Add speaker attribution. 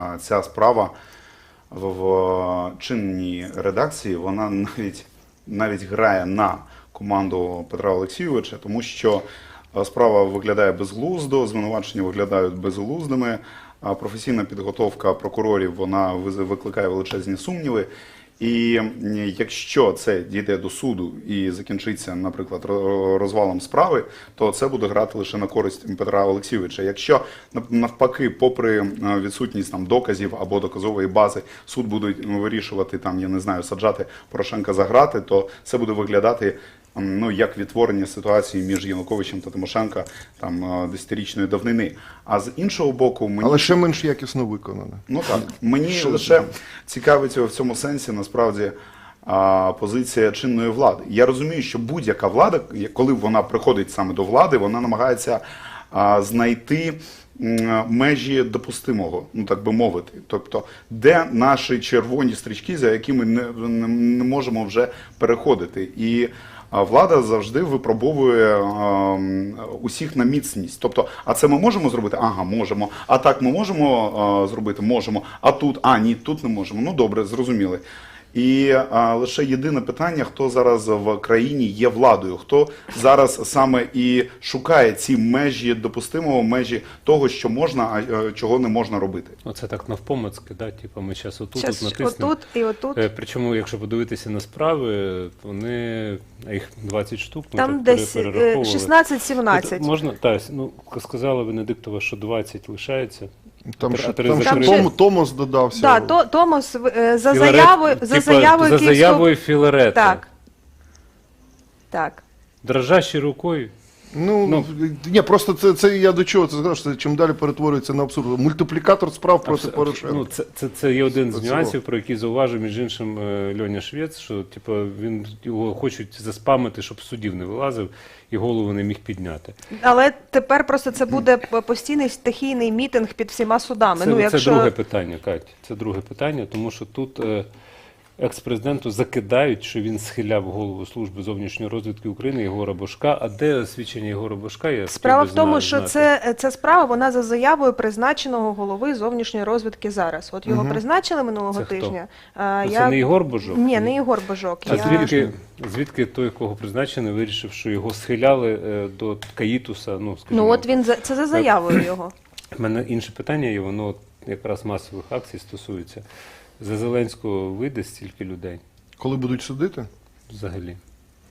Speaker 1: Ця справа в чинній редакції, вона навіть грає на команду Петра Олексійовича, тому що справа виглядає безглуздо, звинувачення виглядають безглуздими, а професійна підготовка прокурорів, вона викликає величезні сумніви. І якщо це дійде до суду і закінчиться, наприклад, розвалом справи, то це буде грати лише на користь Петра Олексійовича. Якщо навпаки, попри відсутність доказів або доказової бази, суд буде вирішувати, я не знаю, саджати Порошенка за грати, то це буде виглядати як відтворення ситуації між Януковичем та Тимошенко десятирічної давнини. А з іншого боку,
Speaker 2: але ще менш якісно виконане.
Speaker 1: Ну так, мені лише цікавить в цьому сенсі, насправді, позиція чинної влади. Я розумію, що будь-яка влада, коли вона приходить саме до влади, вона намагається знайти межі допустимого, так би мовити. Тобто, де наші червоні стрічки, за якими не можемо вже переходити. І влада завжди випробовує усіх на міцність. Тобто, а це ми можемо зробити? Ага, можемо. А так ми можемо зробити? Можемо. А тут? А, ні, тут не можемо. Ну, добре, зрозуміли. І лише єдине питання, хто зараз в країні є владою, хто зараз саме і шукає ці межі допустимого, межі того, що можна, а чого не можна робити.
Speaker 3: Оце так навпомацьки, типу ми зараз отут натиснемо.
Speaker 4: Отут і отут.
Speaker 3: Причому, якщо подивитися на справи, вони, їх 20 штук, ми
Speaker 4: там
Speaker 3: так
Speaker 4: десь
Speaker 3: перераховували.
Speaker 4: 16-17.
Speaker 3: Можна, сказала Венедиктова, що 20 лишається.
Speaker 2: Там ще Томос додався.
Speaker 4: Так, Томос за заявою
Speaker 3: Філарета.
Speaker 4: Так.
Speaker 3: Дрожащій рукою.
Speaker 2: Ні, просто це я до чого це сказав, що чим далі перетворюється на абсурд. Мультиплікатор справ проти Порошенка.
Speaker 3: Це є один з нюансів, про який зауважив, між іншим, Льоня Швець, що його хочуть заспамити, щоб з судів не вилазив і голову не міг підняти.
Speaker 4: Але тепер просто це буде постійний стихійний мітинг під всіма судами.
Speaker 3: Це друге питання, Кать. Це друге питання, тому що тут екс-президенту закидають, що він схиляв голову Служби зовнішньої розвідки України Єгора Божка. А де свідчення Єгора Божка?
Speaker 4: Справа в тому, що ця справа, вона за заявою призначеного голови зовнішньої розвідки зараз. От його призначили минулого тижня.
Speaker 3: Це не Єгор Божок?
Speaker 4: Ні, не Єгор Божок.
Speaker 3: А звідки той, кого призначений, вирішив, що його схиляли до Каїтуса?
Speaker 4: От він, це за заявою його.
Speaker 3: У мене інше питання, і воно якраз масових акцій стосується. За Зеленського вийде стільки людей?
Speaker 2: Коли будуть судити?
Speaker 3: Взагалі.